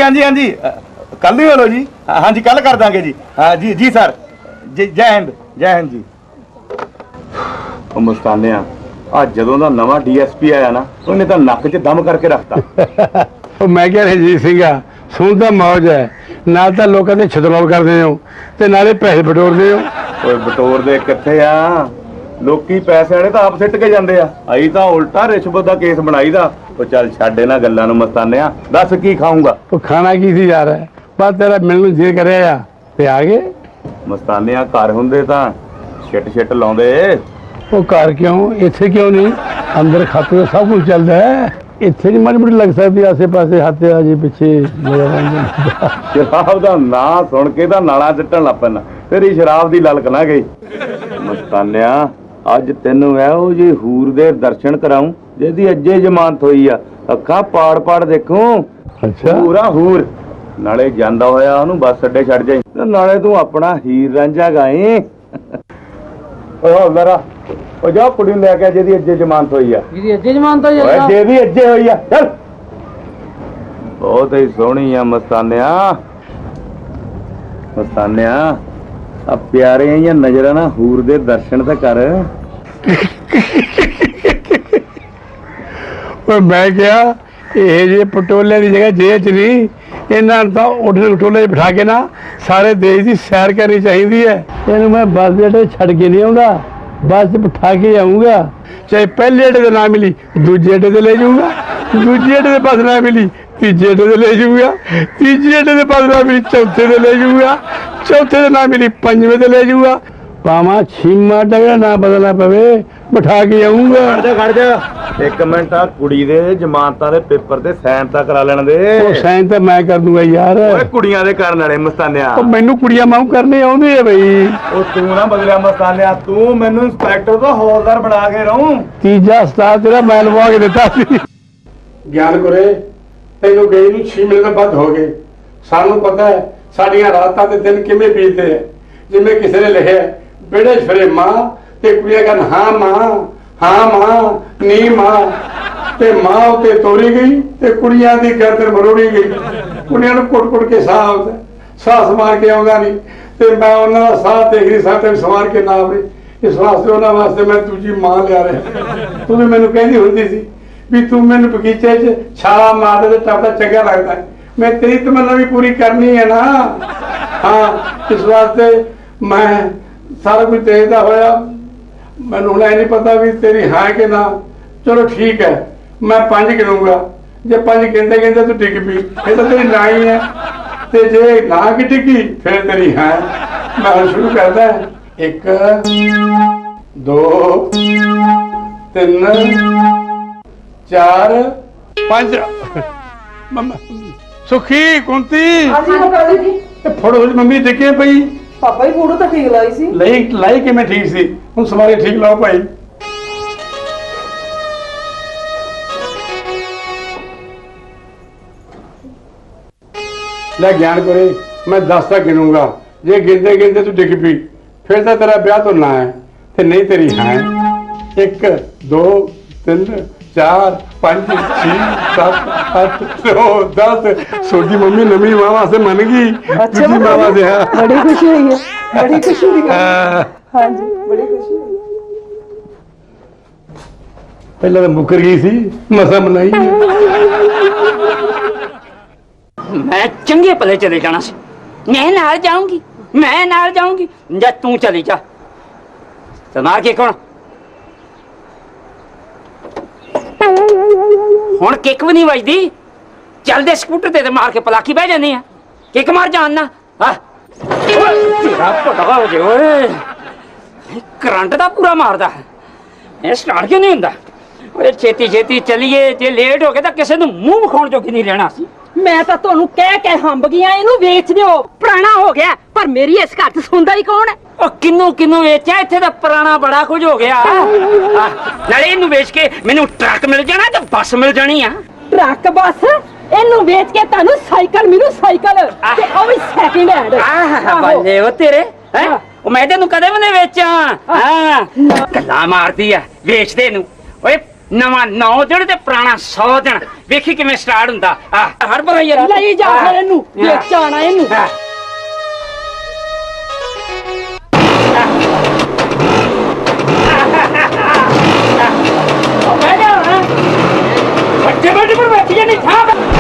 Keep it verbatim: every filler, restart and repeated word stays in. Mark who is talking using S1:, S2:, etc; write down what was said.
S1: हाँ जी हाँ जी कल ही बोलो जी। हाँ जी कल कर देंगे जी। हाँ जी जी सर जी जय हिंद जय हिंद जी। मुस्ताने आ जदों दा नवा डी एस पी आया ना उन्हें तो नक च दम करके रखता।
S2: मैं क्या रंजीत सिंह सुन तो मौज है ना तो लोगों ने छतरौल करते हो ते नाले पैसे बटोरते हो।
S1: ओए बटोर दे किथे आ लोकी पैसे वाले तो आप सिੱਟ के जाते आ अई तो उल्टा रिश्वत का केस बनाई दा। ਉਹ ਚੱਲ ਛੱਡ ਇਹਨਾਂ ਗੱਲਾਂ ਨੂੰ ਮਸਤਾਨਿਆ ਦੱਸ ਕੀ ਖਾਊਂਗਾ।
S2: ਉਹ ਖਾਣਾ ਕੀ ਸੀ ਯਾਰ ਬਸ ਤੇਰਾ ਮਿਲਣ ਨੂੰ ਜੀ ਕਰਿਆ ਆ ਤੇ ਆ ਗਏ।
S1: ਮਸਤਾਨਿਆ ਘਰ ਹੁੰਦੇ ਤਾਂ ਛਿੱਟ ਛਿੱਟ ਲਾਉਂਦੇ।
S2: ਉਹ ਘਰ ਕਿਉਂ ਇੱਥੇ ਕਿਉਂ ਨਹੀਂ ਅੰਦਰ ਖਾਤੇ ਦਾ ਸਭ ਕੁਝ ਚੱਲਦਾ ਹੈ ਇੱਥੇ ਨਹੀਂ ਮਾੜੀ ਮੋਟੀ ਲੱਗ ਸਕਦੀ ਆਸੇ ਪਾਸੇ ਹੱਥ ਆ ਜੀ ਪਿੱਛੇ ਮੇਰਾ ਰੰਗ।
S1: ਸ਼ਰਾਬ ਦਾ ਨਾਂ ਸੁਣ ਕੇ ਤਾਂ ਨਾਲਾ ਸਿੱਟਣ ਲੱਗ ਪੈਣਾ ਤੇਰੀ ਸ਼ਰਾਬ ਦੀ ਲਲਕ ਨਾ ਗਈ। ਮਸਤਾਨਿਆ ਅੱਜ ਤੈਨੂੰ ਇਹੋ ਜੀ ਹੂਰ ਦੇ ਦਰਸ਼ਨ ਕਰਾਉਂ ਜਿਹਦੀ ਅੱਜੇ ਜ਼ਮਾਨਤ ਹੋਈ ਆ ਅੱਖਾਂ ਪਾੜ ਪਾੜ ਦੇਖੂੰ।
S2: ਅੱਛਾ
S1: ਪੂਰਾ ਹੂਰ ਨਾਲੇ ਜਾਂਦਾ ਹੋਇਆ ਉਹਨੂੰ ਬੱਸ ਅੱਡੇ ਛੱਡ ਜਾਈ ਤੇ ਨਾਲੇ ਤੂੰ ਆਪਣਾ ਹੀਰ ਰਾਂਝਾ ਗਾਏ। ਓਏ ਮੇਰਾ ਉਹ ਜਾ ਕੁੜੀ ਨੂੰ ਲੈ ਕੇ ਜਿਹਦੀ ਅੱਜੇ ਜ਼ਮਾਨਤ ਹੋਈ ਆ।
S3: ਜਿਹਦੀ ਅੱਜੇ ਜ਼ਮਾਨਤ ਹੋਈ ਆ
S1: ਓਏ ਜਿਹਦੀ ਅੱਜੇ ਹੋਈ ਆ ਚੱਲ। ਬਹੁਤ ਹੀ ਸੋਹਣੀ ਆ ਮਸਤਾਨਿਆ ਮਸਤਾਨਿਆ ਆ ਪਿਆਰੇ ਜਾਂ ਨਜ਼ਰਾਂ ਨਾ ਹੂਰ ਦੇ ਦਰਸ਼ਨ ਤਾਂ ਕਰ।
S2: ਮੈਂ ਕਿਹਾ ਇਹ ਜੇ ਪਟੋਲੇ ਦੀ ਜਗ੍ਹਾ ਜੇਲ੍ਹ ਚ ਨਹੀਂ ਇਹਨਾਂ ਨੂੰ ਤਾਂ ਉੱਠ ਪਟੋਲੇ ਬਿਠਾ ਕੇ ਨਾ ਸਾਰੇ ਦੇਸ਼ ਦੀ ਸੈਰ ਕਰਨੀ ਚਾਹੀਦੀ ਹੈ। ਇਹਨੂੰ ਮੈਂ ਬੱਸ ਦੇ ਅੱਡੇ ਛੱਡ ਕੇ ਨਹੀਂ ਆਉਂਦਾ ਬੱਸ ਚ ਬਿਠਾ ਕੇ ਆਊਂਗਾ ਚਾਹੇ ਪਹਿਲੇ ਅੱਡੇ ਤੇ ਨਾ ਮਿਲੀ ਦੂਜੇ ਅੱਡੇ ਤੇ ਲੈ ਜਾਊਂਗਾ ਦੂਜੇ ਅੱਡੇ ਤੇ ਬੱਸ ਨਾ ਮਿਲੀ ਤੀਜੇ ਅੱਡੇ ਤੇ ਲੈ ਜਾਊਂਗਾ ਤੀਜੇ ਅੱਡੇ ਤੇ ਬੱਸ ਨਾ ਮਿਲੀ ਚੌਥੇ ਤੇ ਲੈ ਜਾਊਂਗਾ ਚੌਥੇ ਤੇ ਨਾ ਮਿਲੀ ਪੰਜਵੇਂ ਤੇ ਲੈ ਜਾਊਂਗਾ ਭਾਵਾਂ ਛੀਮਾ ਟਕਰਾ ਨਾ ਬਦਲਣਾ ਪਵੇ ਬਿਠਾ ਕੇ ਆਊਂਗਾ।
S1: ਖੜ ਜਾ ਖੜ ਜਾ ਇੱਕ ਮਿੰਟ ਆ ਕੁੜੀ ਦੇ ਜ਼ਮਾਨਤਾਂ ਦੇ ਪੇਪਰ ਤੇ ਸਾਈਨ ਤਾਂ ਕਰਾ ਲੈਣ ਦੇ।
S2: ਉਹ ਸਾਈਨ ਤਾਂ ਮੈਂ ਕਰ ਦੂੰਗਾ ਯਾਰ।
S1: ਓਏ ਕੁੜੀਆਂ ਦੇ ਕਰਨ ਵਾਲੇ ਮਸਤਾਨਿਆ।
S2: ਉਹ ਮੈਨੂੰ ਕੁੜੀਆਂ ਮਾਊ ਕਰਨੇ ਆਉਂਦੇ ਆ ਬਈ।
S1: ਉਹ ਤੂੰ ਨਾ ਬਦਲਿਆ ਮਸਤਾਨਿਆ ਤੂੰ ਮੈਨੂੰ ਇੰਸਪੈਕਟਰ ਤੋਂ ਹੌਲਦਾਰ ਬਣਾ ਕੇ ਰਹੂੰ।
S2: ਤੀਜਾ ਉਸਤਾਦ ਤੇਰਾ ਮੈਂ ਲਵਾ ਕੇ ਦਿੱਤਾ ਸੀ। ਗਿਆਨ ਗੁਰੇ ਤੈਨੂੰ ਗਈ ਨੂੰ ਛੇ ਮਹੀਨੇ ਤੋਂ ਵੱਧ ਹੋ ਗਏ। ਸਾਨੂੰ ਪਤਾ ਹੈ ਸਾਡੀਆਂ ਰਾਤਾਂ ਤੇ ਦਿਨ ਕਿਵੇਂ ਬੀਤਦੇ ਆ। ਜਿਵੇਂ ਕਿਸੇ ਨੇ ਲਿਖਿਆ ਬੇੜੇ ਫਿਰੇ ਮਾਂ ਤੇ ਕੁੜੀਆਂ ਕਹਿਣ ਹਾਂ ਮਾਂ ਹਾਂ ਮਾਂ ਨੀ ਮਾਂ ਤੇ ਮਾਂ ਉੱਤੇ ਤੋਰੀ ਗਈ ਤੇ ਕੁੜੀਆਂ ਦੀ ਗਰਦਨ ਮਰੋੜੀ ਗਈ। ਕੁੜੀਆਂ ਨੂੰ ਕੁੱਟ ਕੁੱਟ ਕੇ ਸਾਹ ਆਉਂਦਾ ਸਾਹ ਸਮਾਰ ਕੇ ਆਉਂਦਾ ਨਹੀਂ ਤੇ ਮੈਂ ਉਹਨਾਂ ਦਾ ਸਾਹ ਦੇਖ ਰਹੀ ਸਾਹ ਤੇ ਸਮਾਰ ਕੇ ਨਾ ਆਵੇ ਇਸ ਵਾਸਤੇ ਉਹਨਾਂ ਵਾਸਤੇ ਮੈਂ ਦੂਜੀ ਮਾਂ ਲਿਆ ਰਿਹਾ। ਤੂੰ ਵੀ ਮੈਨੂੰ ਕਹਿੰਦੀ ਹੁੰਦੀ ਸੀ ਵੀ ਤੂੰ ਮੈਨੂੰ ਬਗੀਚੇ 'ਚ ਛਾਲਾ ਮਾਰਦੇ ਤੇ ਟੱਪਦਾ ਚੰਗਾ ਲੱਗਦਾ ਮੈਂ ਤੇਰੀ ਤਮੰਨਾ ਵੀ ਪੂਰੀ ਕਰਨੀ ਹੈ ਨਾ। ਹਾਂ ਇਸ ਵਾਸਤੇ ਮੈਂ ਸਾਰਾ ਕੁਝ ਦੇਖਦਾ ਹੋਇਆ ਮੈਨੂੰ ਹੁਣ ਇਹ ਨਹੀਂ ਪਤਾ ਵੀ ਤੇਰੀ ਹਾਂ ਕਿ ਨਾ। ਚਲੋ ਠੀਕ ਹੈ ਮੈਂ ਪੰਜ ਗਿਣੂੰਗਾ ਜੇ ਪੰਜ ਗਿਣਦੇ ਗਿਣਦੇ ਤੂੰ ਡਿੱਗ ਪਈ ਇਹ ਤਾਂ ਤੇਰੀ ਨਾ ਹੀ ਹੈ ਤੇ ਜੇ ਨਾ ਕਿ ਡਿੱਗੀ ਫਿਰ ਤੇਰੀ ਹਾਂ। ਮੈਂ ਹੁਣ ਸ਼ੁਰੂ ਕਰਦਾ ਇੱਕ ਦੋ ਤਿੰਨ ਚਾਰ ਪੰਜ। ਸੁਖੀ ਕੁੰਤੀ
S3: ਹਾਂਜੀ ਮਕਾਲੀ ਜੀ
S2: ਇਹ ਫੜੋ ਮੰਮੀ ਦੇਖੇ ਪਈ
S3: ਪਾਪਾ ਹੀ ਫੋਟੋ ਤਾਂ ਠੀਕ ਲਾਈ ਸੀ।
S2: ਲਈ ਲਾਈ ਕਿਵੇਂ ਠੀਕ ਸੀ ਹੁਣ ਸਮਾਰੇ ਠੀਕ ਲਾਓ ਭਾਈ। ਲੈ ਗਿਆਨ ਕਰੇ ਮੈਂ ਦਸ ਤੱਕ ਗਿਣੂੰਗਾ ਜੇ ਗਿਣਦੇ ਗਿਣਦੇ ਤੂੰ ਡਿੱਗ ਪਈ ਫਿਰ ਤਾਂ ਤੇਰਾ ਵਿਆਹ ਤੋਂ ਨਾ ਹੈ ਤੇ ਨਹੀਂ ਤੇਰੀ ਹਾਂ। ਇੱਕ ਦੋ ਤਿੰਨ ਚਾਰ ਪੰਜ ਛੇ ਸੱਤ ਅੱਠ ਨੌ ਦਸ। ਸੋਡੀ ਮੰਮੀ ਨਵੀਂ ਮਾਂ ਵਾਸਤੇ ਮੰਨ ਗਈ ਦੂਜੀ ਮਾਂ ਵਾਸਤੇ। ਹਾਂ
S3: ਬੜੀ ਖੁਸ਼ੀ ਹੋਈ ਹੈ ਬੜੀ ਖੁਸ਼ੀ ਦੀ ਗੱਲ। ਹਾਂਜੀ ਬੜੀ ਖੁਸ਼ੀ ਹੋਈ।
S2: ਪਹਿਲਾਂ ਤਾਂ ਮੁੱਕਰ ਗਈ ਸੀ ਮਸਾ ਮਨਾਈ।
S4: मैं चंगे भले चले जाना सी मैं नाल जाऊंगी मैं नाल जाऊंगी जा तू चली जा ते मार के कौन हुण किक भी नहीं बजदी चल दे स्कूटर ते मार के पलाकी बह जानी है किक मार जानना हां तेरा पटा हो जे ओए करंट दा पूरा मारदा है ये स्टार्ट क्यों नहीं हुंदा ओए छेती छेती चलिए जे लेट हो गए तां किसे नूं मूंह विखाउण जोगी नहीं रहना सी।
S3: ਮੈਂ ਤਾਂ ਤੁਹਾਨੂੰ ਕਹਿ ਕੇ ਹੰਬ ਗਿਆ ਇਹਨੂੰ ਵੇਚ ਦਿਓ ਪੁਰਾਣਾ ਹੋ ਗਿਆ ਪਰ ਮੇਰੀ ਇਸ ਘਰ 'ਚ ਸੁਣਦਾ ਹੀ ਕੌਣ ਹੈ।
S4: ਉਹ ਕਿੰਨੂੰ ਕਿੰਨੂੰ ਵੇਚਿਆ ਇੱਥੇ ਤਾਂ ਪੁਰਾਣਾ ਬੜਾ ਕੁਝ ਹੋ ਗਿਆ। ਨਾਲੇ ਇਹਨੂੰ ਵੇਚ ਕੇ ਮੈਨੂੰ ਟਰੱਕ ਮਿਲ ਜਾਣਾ ਤੇ ਬੱਸ ਮਿਲ ਜਾਣੀ ਆ।
S3: ਟਰੱਕ ਬੱਸ ਇਹਨੂੰ ਵੇਚ ਕੇ ਤੁਹਾਨੂੰ ਸਾਈਕਲ ਮਿਲੂ ਸਾਈਕਲ ਤੇ ਉਹ ਵੀ ਸੈਕਿੰਡ ਹੈਂਡ।
S4: ਆਹ ਬੱਲੇ ਉਹ ਤੇਰੇ ਹੈ ਉਹ ਮੈਂ ਤੈਨੂੰ ਕਦੇ ਵੀ ਨਹੀਂ ਵੇਚਾਂ। ਹਾਂ ਗੱਲਾਂ ਮਾਰਦੀ ਆ ਵੇਚਦੇ ਨੂੰ ਓਏ ਨਵਾਂ ਨੌ ਦਿਨ ਤੇ ਪੁਰਾਣਾ ਸੌ ਦਿਨ ਵੇਖੀ ਕਿਵੇਂ ਸਟਾਰਟ ਹੁੰਦਾ ਆ ਹਰ ਬਰਾ ਯਾਰ
S3: ਲਈ ਜਾ ਫਿਰ ਇਹਨੂੰ ਵੇਚ ਆਣਾ ਇਹਨੂੰ
S4: ਵੱਡੇ ਵੱਡੇ ਪਰ ਬੈਠੀ ਨਹੀਂ ਥਾਂ